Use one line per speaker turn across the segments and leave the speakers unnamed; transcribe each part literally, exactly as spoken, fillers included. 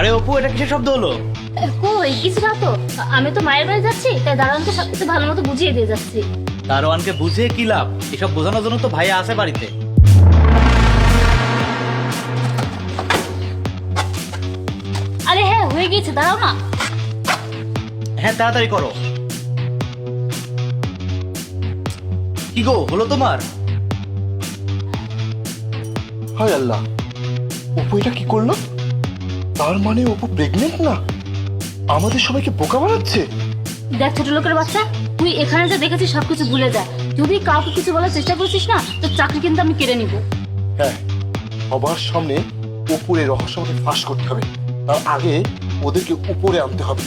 আরে অপু, এটা কিসের শব্দ হলো?
কই কিছু না তো, আমি তো মায়ের বাড়ি যাচ্ছি, তাই দারোয়ানকে সবকিছু ভালো মতো বুঝিয়ে দিয়ে যাচ্ছি।
দারোয়ানকে বুঝিয়ে কি লাভ? এসব বোঝানোর জন্য তো ভাইয়া আছে বাড়িতে।
আরে হ্যাঁ, হয়ে গিয়েছে, দাঁড়াও না।
হ্যাঁ, তাড়াতাড়ি করো। কি গো, হলো তোমার?
হায় আল্লাহ, অপু এটা কি করলো? তার মানে অপু প্রেগনেন্ট না? আমাদের সবাইকে বোকা বানাচ্ছে।
দেখ ছোট লোকের বাচ্চা, তুই এখানে যা দেখেছিস সবকিছু ভুলে যা। যদি কাউকে কিছু বলার চেষ্টা করছিস না, তো চাকরি কিন্তু আমি কেড়ে নিব।
হ্যাঁ, সবার সামনে অপুর এই রহস্য আমাকে ফাঁস করতে হবে। তার আগে ওদেরকে উপরে আনতে হবে।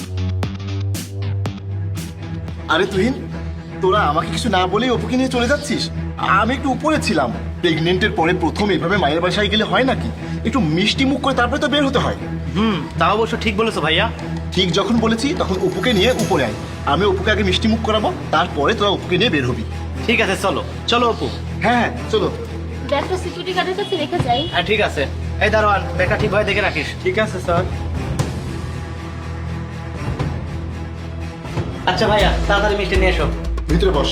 আরে তুহিন, তোরা আমাকে কিছু না বলেই অপুকে নিয়ে চলে যাচ্ছিস? আমি একটু উপরে ছিলাম। প্রেগনেন্টের পরে প্রথম এভাবে মায়ের বাসায় গেলে হয় নাকি? একটু মিষ্টি মুখ করে তারপরে তো বের হতে হয়।
হুম, তা অবশ্য ঠিক বলেছো ভাইয়া।
ঠিক যখন বলেছি তখন অপুকে নিয়ে উপরে আয়। আমি অপুকে আগে মিষ্টি মুখ করাবো, তারপরে তোরা অপুকে নিয়ে বের হবি।
ঠিক আছে, চলো চলো অপু।
হ্যাঁ হ্যাঁ চলো।
ব্যাগটা সিকিউরিটি গার্ডের কাছে রেখে যাই।
হ্যাঁ ঠিক আছে। এই দারোয়ান, ব্যাগটা ঠিকভাবে দেখে রাখিস।
ঠিক আছে স্যার।
আচ্ছা ভাইয়া, তাড়াতাড়ি মিষ্টি নিয়ে এসো।
ভিতরে বস।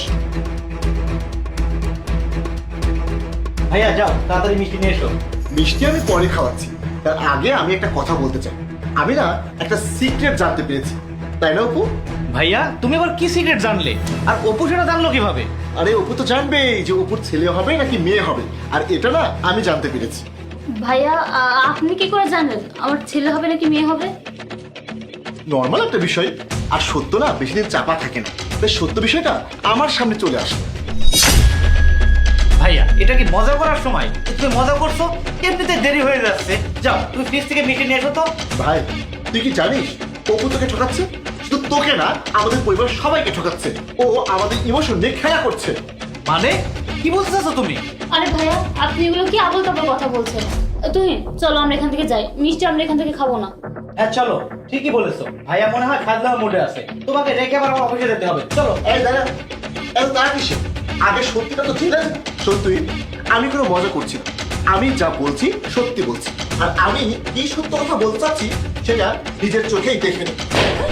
ভাইয়া যাও, তাড়াতাড়ি মিষ্টি নিয়ে এসো।
মিষ্টি আমি পরে খাওয়াচ্ছি, তার আগে আমি একটা কথা বলতে চাই। আমি না একটা সিক্রেট জানতে পেরেছি, তাই না অপু?
ভাইয়া, তুমি আবার কি সিক্রেট জানলে? আর অপু সেটা জানলো কিভাবে?
আরে অপু তো জানবেই যে অপুর ছেলে হবে নাকি মেয়ে হবে, আর এটা না আমি জানতে পেরেছি।
ভাইয়া আ- আপনি কি করে জানেন আমার ছেলে হবে নাকি মেয়ে হবে?
নর্মাল একটা বিষয়, আর সত্য না বেশি দিন চাপা থাকে না, তাই সত্য বিষয়টা আমার সামনে চলে আসে।
ভাইয়া, এটা কি মজা করার সময়? তুমি মজা করছো? এমনিতে দেরি হয়ে যাচ্ছে। যাও, তুমি ফ্রিজ থেকে মিষ্টি নিয়ে এসো তো।
ভাই, তুই কি জানিস অপু তোকে ঠকাচ্ছে? শুধু তোকে না, আমাদের পরিবার সবাইকে ঠকাচ্ছে। ও আমাদের ইমোশন নিয়ে খেলা করছে।
মানে কি বলতে চাচ্ছো তুমি?
আরে ভাইয়া, আপনি এগুলো কি আবল তাবল কথা বলছেন? তুই চলো আমরা এখান থেকে যাই, মিষ্টি আমরা এখান থেকে খাবো না।
হ্যাঁ চলো, ঠিকই বলেছো। ভাইয়া মনে হয় খাদ্য মোডে আছে। তোমাকে রেখে আবার আমার অফিসে যেতে হবে। চলো।
এই দাদা, এত তারা কিসে? আগে সত্যিটা তো জেনে নে। সত্যি আমি কোনো মজা করছি না, আমি যা বলছি সত্যি বলছি। আর আমি কি সত্য কথা বলতে চাচ্ছি সেটা নিজের চোখেই দেখে নে।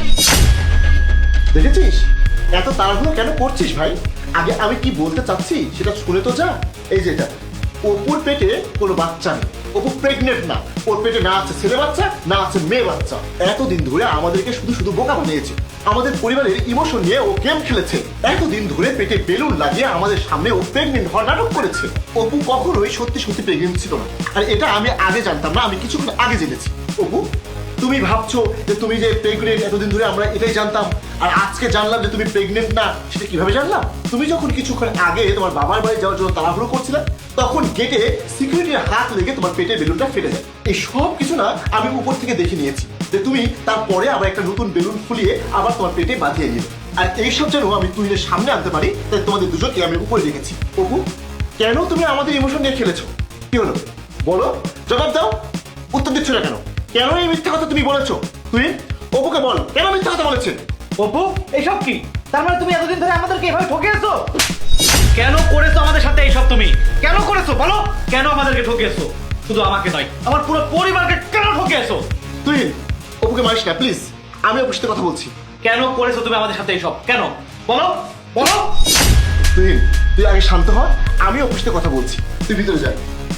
দেখেছিস এত তাড়াহুড়ো কেন করছিস ভাই? আগে আমি কি বলতে চাচ্ছি সেটা শুনে তো যা। এই যেটা, অপুর পেটে কোনো বাচ্চা নেই, অপু প্রেগনেন্ট না। ওর পেটে না আছে ছেলে বাচ্চা, না আছে মেয়ে বাচ্চা। এতদিন ধরে আমাদেরকে শুধু শুধু বোকা বানিয়েছে। আমাদের পরিবারের ইমোশন নিয়ে ও গেম খেলেছে। এতদিন ধরে পেটে বেলুন লাগিয়ে আমাদের সামনে ও প্রেগনেন্ট হওয়ার নাটক করেছে। অপু কখনোই সত্যি সত্যি প্রেগনেন্ট ছিল না, আর এটা আমি আগে জানতাম না, আমি কিছুক্ষণ আগে জেনেছি। অপু, তুমি ভাবছো যে তুমি যে প্রেগনেন্ট, এতদিন ধরে আমরা এটাই জানতাম, আর আজকে জানলাম যে তুমি প্রেগনেন্ট না। সেটা কিভাবে জানলাম? তুমি যখন কিছুক্ষণ আগে তোমার বাবার বাড়ি যাওয়ার জন্য তাড়াহুড়ো করছিলে, তখন গেটে সিকিউরিটির হাত লেগে তোমার পেটের বেলুনটা ফেটে যায়। এই সব কিছু না আমি উপর থেকে দেখে নিয়েছি, যে তুমি তারপরে আবার একটা নতুন বেলুন ফুলিয়ে আবার তোমার পেটে বাঁধিয়ে নিলে। আর এইসব যেন আমি তুহিনের সামনে আনতে পারি, তাই তোমাদের দুজনকে আমি উপরে রেখেছি। অপু, কেন তুমি আমাদের ইমোশন নিয়ে খেলেছো? কি হলো বলো, জবাব দাও। উত্তর দিচ্ছ না কেন? কেন এই মিথ্যা কথা তুমি বলেছো? তুই অপুকে বল, কেন মিথ্যা কথা বলেছে?
অপু, এইসব কি? তার মানে তুমি এতদিন ধরে আমাদেরকে এভাবে ঠকিয়েছো? কেন করেছো আমাদের সাথে এইসব? তুমি কেন করেছো বলো? কেন আমাদেরকে ঠকিয়েছো? শুধু আমাকে নয়, আমার পুরো পরিবারকে কেন ঠকিয়েছো?
তুই অপুকে মারিস না প্লিজ, আমি অপুর সাথে কথা বলছি।
কেন করেছো তুমি আমাদের সাথে এইসব? কেন বলো, বলো।
তুই তুই আগে শান্ত হ, আমি অপুর সাথে কথা বলছি। তুই ভিতরে যা।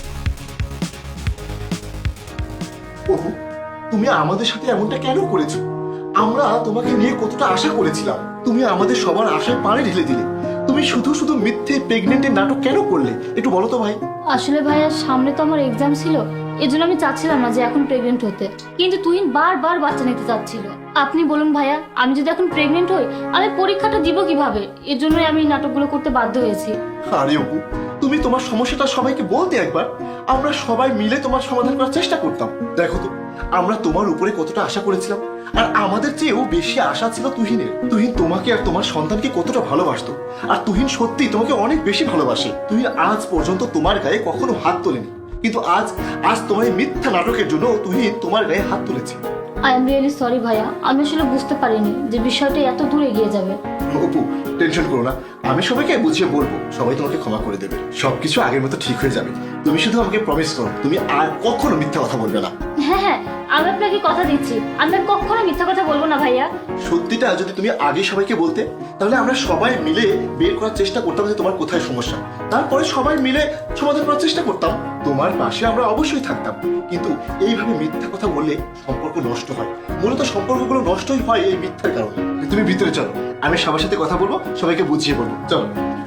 অপু, তুমি আমাদের সাথে এমনটা কেন করেছো? আমরা তোমাকে নিয়ে কতটা আশা করেছিলাম, তুমি আমাদের সবার আশায় পানি ঢেলে দিলে। তুমি শুধু শুধু মিথ্যে প্রেগনেন্টের নাটক কেন করলে? একটু বলো তো ভাই।
আসলে ভাইয়া, সামনে তো আমার এক্সাম ছিল, এজন্য আমি চাচ্ছিলাম না যে এখন প্রেগনেন্ট হতে, কিন্তু তুহিন বারবার বাচ্চা নিতে চাচ্ছিল। আপনি বলুন ভাইয়া, আমি যদি এখন প্রেগনেন্ট হই, আমি পরীক্ষাটা দিব কিভাবে? এর জন্যই আমি এই নাটকগুলো করতে বাধ্য হয়েছি।
আরে অপু, তুমি তোমার সমস্যাটা সবাইকে বলতে একবার, আমরা সবাই মিলে তোমার সমাধান করার চেষ্টা করতাম। দেখো তো, আমরা তোমার উপরে কতটা আশা করেছিলাম, আর আমাদের চেয়েও বেশি আশা ছিল তুহিনের। তুহিন তোমাকে আর তোমার সন্তানকে কতটা ভালোবাসতো, আর তুহিন সত্যি তোমাকে অনেক বেশি ভালোবাসে। তুহিন আজ পর্যন্ত তোমার গায়ে কখনো হাত তোলেনি, কিন্তু আজ আজ তোমার এই মিথ্যা নাটকের জন্য তুহিন তোমার গায়ে হাত তুলেছে।
আই এম রিয়েলি সরি ভাইয়া, আমি আসলে বুঝতে পারিনি যে বিষয়টা এত দূর এগিয়ে যাবে।
অপু, টেনশন করো না, আমি সবাইকে বুঝিয়ে বলবো, সবাই তোমাকে ক্ষমা করে দেবে। সবকিছু আগের মতো ঠিক হয়ে যাবে। তুমি শুধু আমাকে প্রমিস করো, তুমি আর কখনো মিথ্যা কথা বলবে না।
হ্যাঁ হ্যাঁ, আমি আপনাকে কথা দিচ্ছি আমি আর কখনো মিথ্যা কথা বলবো না ভাইয়া।
সত্যিটা যদি তুমি আগে সবাইকে বলতে, তাহলে আমরা সবাই মিলে বের করার চেষ্টা করতাম যে তোমার কোথায় সমস্যা, তারপরে সবাই মিলে সমাধান করার চেষ্টা করতাম, তোমার পাশে আমরা অবশ্যই থাকতাম। কিন্তু এইভাবে মিথ্যা কথা বললে সম্পর্ক নষ্ট হয়, মূলত সম্পর্কগুলো নষ্টই হয় এই মিথ্যার কারণে। তুমি ভিতরে চলো, আমি সবার সাথে কথা বলবো, সবাইকে বুঝিয়ে বলবো, চলো।